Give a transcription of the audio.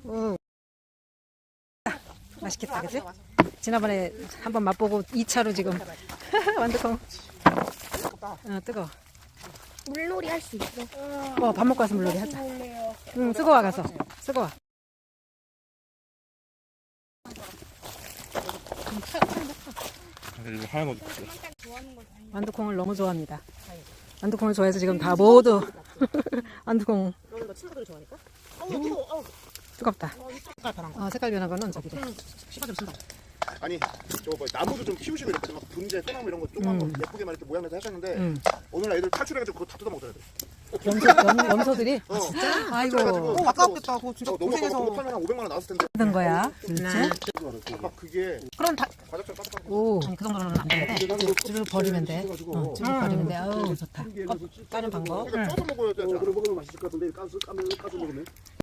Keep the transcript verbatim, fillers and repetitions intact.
오. 맛있겠다, 그치? 지난번에 한번 맛보고 이 차로 지금 완두콩. 어, 뜨거워. 물놀이 할 수 있어. 어, 밥 먹고 와서 물놀이 하자. 응, 쓰고 와, 가서. 쓰고 와. 이거 하얀 거 완두콩을 너무 좋아합니다. 완두콩을 좋아해서 지금 다 모두 완두콩. 너는 너 친구들이 좋아하니까? 뜨겁다. 색깔 변한 거. 어, 색깔 변화가는 저기래. 씨가 좀 쓴다. 아니 저거 뭐 나무도 좀 키우시고 이렇게 막 분재, 소나무 이런 거 조그만 음. 거 예쁘게만 이렇게 모양내서 하셨는데 응. 오늘 애들 탈출해가지고 그거 다 뜯어먹더라 돼. 염소, 염, 염소들이? 어. 아이고. 어, 아깝겠다. 그거 진짜 어, 너무 아까 고생해서. 그거 팔면 한 오백만 원 나왔을 텐데. 하던 거야. 둘째. 아까 그게 그럼 다, 과자처럼 바삭바삭. 오. 아니 그 정도는 안 되는데. 쭉 버리면 돼. 어, 쭉 버리면 돼. 아우, 좋다. 까는 방법. 그러니까 쪄서 먹어야 돼. 그럼 먹으면 맛있을 것 같은데 까서 까면 까서 먹으면